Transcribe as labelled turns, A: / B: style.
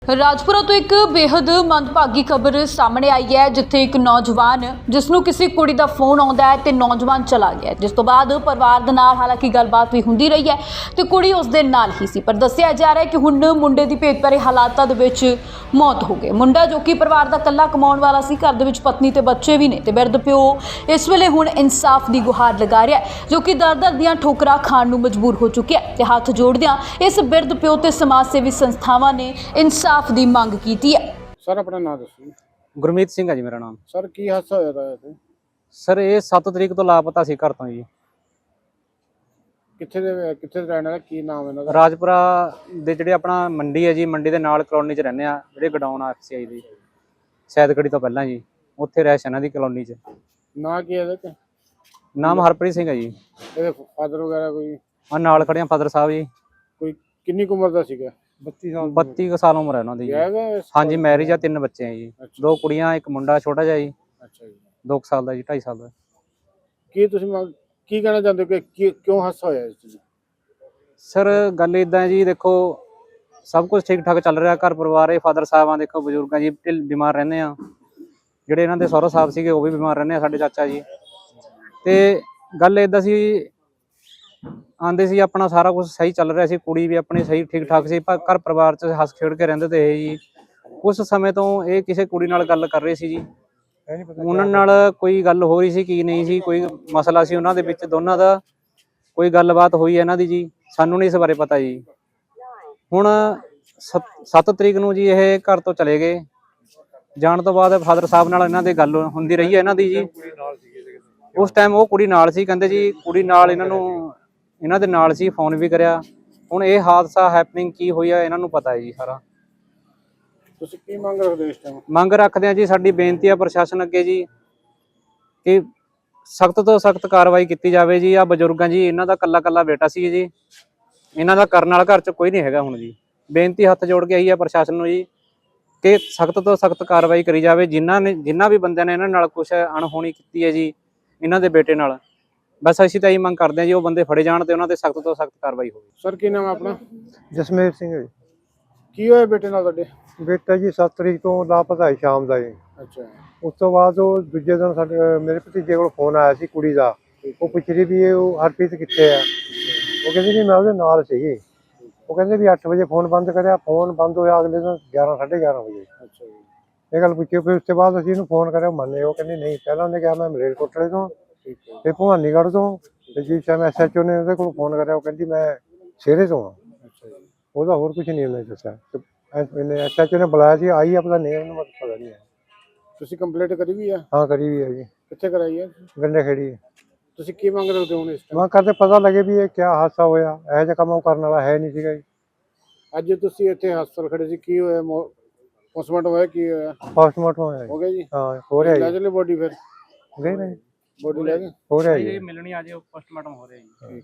A: ਰਾਜਪੁਰਾ ਤੋਂ ਇੱਕ ਬੇहद ਮੰਦਭਾਗੀ ਖਬਰ ਸਾਹਮਣੇ ਆਈ ਹੈ, ਜਿੱਥੇ ਇੱਕ ਨੌਜਵਾਨ ਜਿਸ ਨੂੰ ਕਿਸੇ ਕੁੜੀ ਦਾ ਫੋਨ ਆਉਂਦਾ ਹੈ ਤੇ ਨੌਜਵਾਨ ਚਲਾ ਗਿਆ, ਜਿਸ ਤੋਂ ਬਾਅਦ ਪਰਿਵਾਰ ਦੇ ਨਾਲ ਹਾਲਾਂਕਿ ਗੱਲਬਾਤ ਵੀ ਹੁੰਦੀ ਰਹੀ ਹੈ ਤੇ ਕੁੜੀ ਉਸ ਦੇ ਨਾਲ ਹੀ ਸੀ, ਪਰ ਦੱਸਿਆ ਜਾ ਰਿਹਾ ਹੈ ਕਿ ਹੁਣ ਮੁੰਡੇ ਦੀ ਭੇਤ ਭਰੇ ਹਾਲਾਤਾਂ ਦੇ ਵਿੱਚ ਮੌਤ ਹੋ ਗਈ। ਮੁੰਡਾ ਜੋ ਕਿ ਪਰਿਵਾਰ ਦਾ ਇਕੱਲਾ ਕਮਾਉਣ ਵਾਲਾ ਸੀ, ਘਰ ਦੇ ਵਿੱਚ ਪਤਨੀ ਤੇ ਬੱਚੇ ਵੀ ਨੇ ਤੇ ਬਿਰਧ ਪਿਓ ਇਸ ਵੇਲੇ ਹੁਣ ਇਨਸਾਫ ਦੀ ਗੁਹਾਰ ਲਗਾ ਰਿਹਾ ਹੈ, ਜੋ ਕਿ ਦਰ-ਦਰ ਦੀਆਂ ਠੋਕਰਾਂ ਖਾਣ ਨੂੰ ਮਜਬੂਰ ਹੋ ਚੁੱਕਿਆ ਤੇ ਹੱਥ ਜੋੜਦਿਆਂ ਇਸ ਬਿਰਧ ਪਿਓ ਤੇ ਸਮਾਜ ਸੇਵੀ ਸੰਸਥਾਵਾਂ ਨੇ ਇਨਸਾਫ ਦੀ ਮੰਗ ਕੀਤੀ ਹੈ।
B: ਸਰ ਆਪਣਾ ਨਾਮ ਦੱਸੋ।
C: ਗੁਰਮੀਤ ਸਿੰਘ ਹੈ ਜੀ ਮੇਰਾ ਨਾਮ।
B: ਸਰ ਕੀ ਹਾਦਸਾ ਹੋਇਆ ਤਾ ਇੱਥੇ?
C: ਸਰ ਇਹ 7 ਤਰੀਕ ਤੋਂ ਲਾਪਤਾ ਸੀ ਘਰ ਤੋਂ ਜੀ।
B: ਕਿੱਥੇ ਦੇ ਰਹਿਣ ਵਾਲਾ, ਕੀ ਨਾਮ ਇਹਨਾਂ ਦਾ?
C: ਰਾਜਪੁਰਾ ਦੇ ਜਿਹੜੇ ਆਪਣਾ ਮੰਡੀ ਹੈ ਜੀ, ਮੰਡੀ ਦੇ ਨਾਲ ਕਲੋਨੀ 'ਚ ਰਹਿੰਦੇ ਆ, ਜਿਹੜੇ ਗਡਾਊਨ ਆ FCI ਦੀ ਸੈਦਗੜੀ ਤੋਂ ਪਹਿਲਾਂ ਜੀ, ਉੱਥੇ ਰਹਿਸ਼ ਇਹਨਾਂ ਦੀ ਕਲੋਨੀ 'ਚ।
B: ਨਾਂ ਕੀ ਹੈ ਇਹਦਾ ਤੇ?
C: ਨਾਮ ਹਰਪ੍ਰੀਤ ਸਿੰਘ ਹੈ ਜੀ।
B: ਇਹਦੇ ਫਾਦਰ ਵਗੈਰਾ ਕੋਈ?
C: ਆ ਨਾਲ ਖੜੇ ਆ ਫਾਦਰ ਸਾਹਿਬ ਜੀ।
B: ਕੋਈ ਕਿੰਨੀ ਕੁ ਉਮਰ ਦਾ ਸੀਗਾ?
C: 32 ਕੁ ਸਾਲ ਉਮਰ ਹੈ ਉਹਨਾਂ ਦੀ ਜੀ। ਹਾਂਜੀ, ਮੈਰਿਜ ਆ, 3 ਬੱਚੇ ਆ ਜੀ, 2 ਕੁੜੀਆਂ, 1 ਮੁੰਡਾ ਛੋਟਾ ਜਿਹਾ ਜੀ।
B: ਅੱਛਾ ਜੀ।
C: 2 ਸਾਲ ਦਾ ਜੀ, 2.5 ਸਾਲ ਦਾ।
B: ਕੀ ਤੁਸੀਂ ਕੀ ਕਹਿਣਾ ਚਾਹੁੰਦੇ ਹੋ ਕਿ ਕਿਉਂ ਹਾਦਸਾ ਹੋਇਆ ਇਸ ਚੀਜ਼?
C: ਸਰ ਗੱਲ ਇਦਾਂ ਜੀ, ਦੇਖੋ ਸਭ ਕੁਝ ਠੀਕ ਠਾਕ ਚੱਲ ਰਿਹਾ, ਘਰ ਪਰਿਵਾਰ ਇਹ ਫਾਦਰ ਸਾਹਿਬਾਂ ਦੇਖੋ ਬਜ਼ੁਰਗਾਂ ਜੀ ਬਿਮਾਰ ਰਹਿੰਦੇ ਆ, ਜਿਹੜੇ ਇਹਨਾਂ ਦੇ ਸਹੁਰਾ ਸਾਹਿਬ ਸੀਗੇ ਉਹ ਵੀ ਬਿਮਾਰ ਰਹਿੰਦੇ ਆ, ਸਾਡੇ ਚਾਚਾ ਜੀ। ਤੇ ਗੱਲ ਇਦਾਂ ਸੀ, ਆਂਦੇ ਸੀ ਆਪਣਾ ਸਾਰਾ ਕੁਝ ਸਹੀ ਚੱਲ ਰਿਹਾ ਸੀ, ਕੁੜੀ ਵੀ ਆਪਣੀ ਸਹੀ ਠੀਕ ਠਾਕ ਸੀ, ਪਰ ਘਰ ਪਰਿਵਾਰ 'ਚ ਹੱਸ ਖੇਡ ਕੇ ਰਹਿੰਦੇ ਤੇ ਇਹ ਜੀ ਉਸ ਸਮੇਂ ਤੋਂ ਇਹ ਕਿਸੇ ਕੁੜੀ ਨਾਲ ਗੱਲ ਕਰ ਰਹੇ ਸੀ ਜੀ। ਉਹਨਾਂ ਨਾਲ ਕੋਈ ਗੱਲ ਹੋ ਰਹੀ ਸੀ ਕੀ ਨਹੀਂ ਸੀ, ਕੋਈ ਮਸਲਾ ਸੀ ਉਹਨਾਂ ਦੇ ਵਿੱਚ ਦੋਨਾਂ ਦਾ, ਕੋਈ ਗੱਲਬਾਤ ਹੋਈ ਇਹਨਾਂ ਦੀ ਜੀ, ਸਾਨੂੰ ਨਹੀਂ ਇਸ ਬਾਰੇ ਪਤਾ ਜੀ। ਹੁਣ 7 ਤਰੀਕ ਨੂੰ ਜੀ ਇਹ ਘਰ ਤੋਂ ਚਲੇ ਗਏ, ਜਾਣ ਤੋਂ ਬਾਅਦ ਫਾਦਰ ਸਾਹਿਬ ਨਾਲ ਇਹਨਾਂ ਦੀ ਗੱਲ ਹੁੰਦੀ ਰਹੀ ਹੈ ਇਹਨਾਂ ਦੀ ਜੀ। ਉਸ ਟਾਈਮ ਉਹ ਕੁੜੀ ਨਾਲ ਸੀ, ਕਹਿੰਦੇ ਜੀ ਕੁੜੀ ਨਾਲ ਇਹਨਾਂ ਦੇ ਨਾਲ ਸੀ, ਫੋਨ ਵੀ ਕਰਿਆ। ਹੁਣ ਇਹ ਹਾਦਸਾ ਹੈਪਨਿੰਗ ਕੀ ਹੋਈ ਆ ਇਹਨਾਂ ਨੂੰ ਪਤਾ ਹੈ ਜੀ ਸਾਰਾ।
B: ਤੁਸੀਂ ਕੀ ਮੰਗ ਰੱਖਦੇ ਹੋ ਇਸ ਟਾਈਮ?
C: ਮੰਗ ਰੱਖਦੇ ਆ ਜੀ, ਸਾਡੀ ਬੇਨਤੀ ਆ ਪ੍ਰਸ਼ਾਸਨ ਅੱਗੇ ਜੀ ਕਿ ਸਖਤ ਤੋਂ ਸਖਤ ਕਾਰਵਾਈ ਕੀਤੀ ਜਾਵੇ ਜੀ। ਆ ਬਜ਼ੁਰਗਾਂ ਜੀ, ਇਹਨਾਂ ਦਾ ਕੱਲਾ ਬੇਟਾ ਸੀ ਜੀ, ਇਹਨਾਂ ਦਾ ਕਰਨ ਵਾਲਾ ਘਰ 'ਚ ਕੋਈ ਨਹੀਂ ਹੈਗਾ ਹੁਣ ਜੀ। ਬੇਨਤੀ ਹੱਥ ਜੋੜ ਕੇ ਆਈ ਆ ਪ੍ਰਸ਼ਾਸਨ ਨੂੰ ਜੀ ਕਿ ਸਖਤ ਤੋਂ ਸਖਤ ਕਾਰਵਾਈ ਕਰੀ ਜਾਵੇ। ਜਿਨ੍ਹਾਂ ਵੀ ਬੰਦਿਆਂ ਨੇ ਇਹਨਾਂ ਨਾਲ ਕੁਛ ਅਣਹੋਣੀ ਕੀਤੀ ਹੈ ਜੀ, ਇਹਨਾਂ ਦੇ ਬੇਟੇ ਨਾਲ, ਬਸ ਅਸੀਂ ਤਾਂ ਇਹੀ ਮੰਗ ਕਰਦੇ ਹਾਂ ਜੀ ਉਹ ਬੰਦੇ ਫੜੇ ਜਾਣ ਤੇ ਉਹਨਾਂ ਤੇ ਸਖਤ ਤੋਂ ਸਖਤ ਕਾਰਵਾਈ ਹੋਵੇ।
B: ਸਰ ਕੀ ਨਾਮ ਹੈ ਆਪਣਾ?
D: ਜਸਮੇਰ ਸਿੰਘ ਜੀ।
B: ਕੀ ਹੋਇਆ ਬੇਟੇ ਨਾਲ ਤੁਹਾਡੇ?
D: ਬੇਟਾ ਜੀ 7 ਤਰੀਕ ਤੋਂ ਲਾਪਤਾ ਹੈ ਸ਼ਾਮ ਦਾ ਜੀ।
B: ਅੱਛਾ।
D: ਉਸ ਤੋਂ ਬਾਅਦ ਉਹ ਦੂਜੇ ਦਿਨ ਸਾਡੇ ਮੇਰੇ ਭਤੀਜੇ ਕੋਲ ਫੋਨ ਆਇਆ ਸੀ ਕੁੜੀ ਦਾ, ਉਹ ਪੁੱਛ ਰਹੀ ਵੀ ਉਹ ਹਰਪ੍ਰੀਤ ਕਿੱਥੇ ਆ। ਉਹ ਕਹਿੰਦੀ ਵੀ ਮੈਂ ਉਹਦੇ ਨਾਲ ਸੀਗੀ। ਉਹ ਕਹਿੰਦੇ ਵੀ 8 ਵਜੇ ਫੋਨ ਬੰਦ ਕਰਿਆ, ਫੋਨ ਬੰਦ ਹੋਇਆ ਅਗਲੇ ਦਿਨ 11 11:30 ਵਜੇ।
B: ਅੱਛਾ ਜੀ।
D: ਇਹ ਗੱਲ ਪੁੱਛੀ, ਫਿਰ ਉਸ ਤੋਂ ਬਾਅਦ ਅਸੀਂ ਇਹਨੂੰ ਫੋਨ ਕਰਿਆ, ਮੰਨੇ। ਉਹ ਕਹਿੰਦੀ ਨਹੀਂ, ਪਹਿਲਾਂ ਉਹਨੇ ਕਿਹਾ ਮੈਂ ਮਲੇਰਕੋਟਲੇ ਤੋਂ ਤੇ ਭਵਾਨੀਗੜ੍ਹ ਤੋਂ, ਤੇ ਜਿਸ ਟਾਈਮ SHO ਨੇ ਉਹਦੇ ਕੋਲ ਫੋਨ ਕਰਿਆ ਉਹ ਕਹਿੰਦੀ ਮੈਂ ਸ਼ੇਰੇ ਤੋਂ ਆ।
B: ਅੱਛਾ ਜੀ।
D: ਉਹਦਾ ਹੋਰ ਕੁਝ ਨਹੀਂ ਉਹਨੇ ਦੱਸਿਆ। SHO ਨੇ ਬੁਲਾਇਆ ਸੀ, ਆਈ ਆਪਣਾ ਨੇਮ ਨੂੰ ਪਤਾ ਨਹੀਂ ਹੈ।
B: ਤੁਸੀਂ ਕੰਪਲੀਟ ਕਰੀ ਵੀ ਆ?
D: ਹਾਂ ਕਰੀ ਵੀ ਹੈ ਜੀ,
B: ਕਿੱਥੇ ਕਰਾਈ ਹੈ?
D: ਗੰਡੇ ਖੇੜੀ।
B: ਤੁਸੀਂ ਕੀ ਮੰਗ ਰੱਖਦੇ ਹੋ ਹੁਣ ਇਸ ਟਾਈਮ?
D: ਮੈਂ ਕਰਦੇ ਪਤਾ ਲੱਗੇ ਵੀ ਇਹ ਕਿਆ ਹਾਦਸਾ ਹੋਇਆ, ਇਹੋ ਜਿਹਾ ਕੰਮ ਉਹ ਕਰਨ ਵਾਲਾ ਹੈ ਨਹੀਂ ਸੀਗਾ ਜੀ।
B: ਅੱਜ ਤੁਸੀਂ ਇੱਥੇ ਹਸਪਤਾਲ ਖੜੇ ਸੀ, ਕੀ ਹੋਇਆ? ਪੋਸਟਮਾਰਟਮ ਹੋਇਆ? ਕੀ ਹੋਇਆ?
D: ਪੋਸਟਮਾਰਟਮ ਹੋਇਆ
B: ਹੋ
D: ਜੀ।
B: ਗਿਆ ਜੀ?
D: ਹਾਂ ਹੋ ਰਿਹਾ
B: ਲੈ
D: ਜੀ।
B: ਚਲੇ ਬੋਡੀ? ਫਿਰ
D: ਗਏ ਨੇ,
B: ਬੋਡੀ ਲੈ ਗਏ?
D: ਹੋ ਰਿਹਾ ਜੀ।
C: ਮਿਲਣੀ ਆ ਜੇ ਪੋਸਟਮਾਰਟਮ ਹੋ ਰਿਹਾ ਜੀ।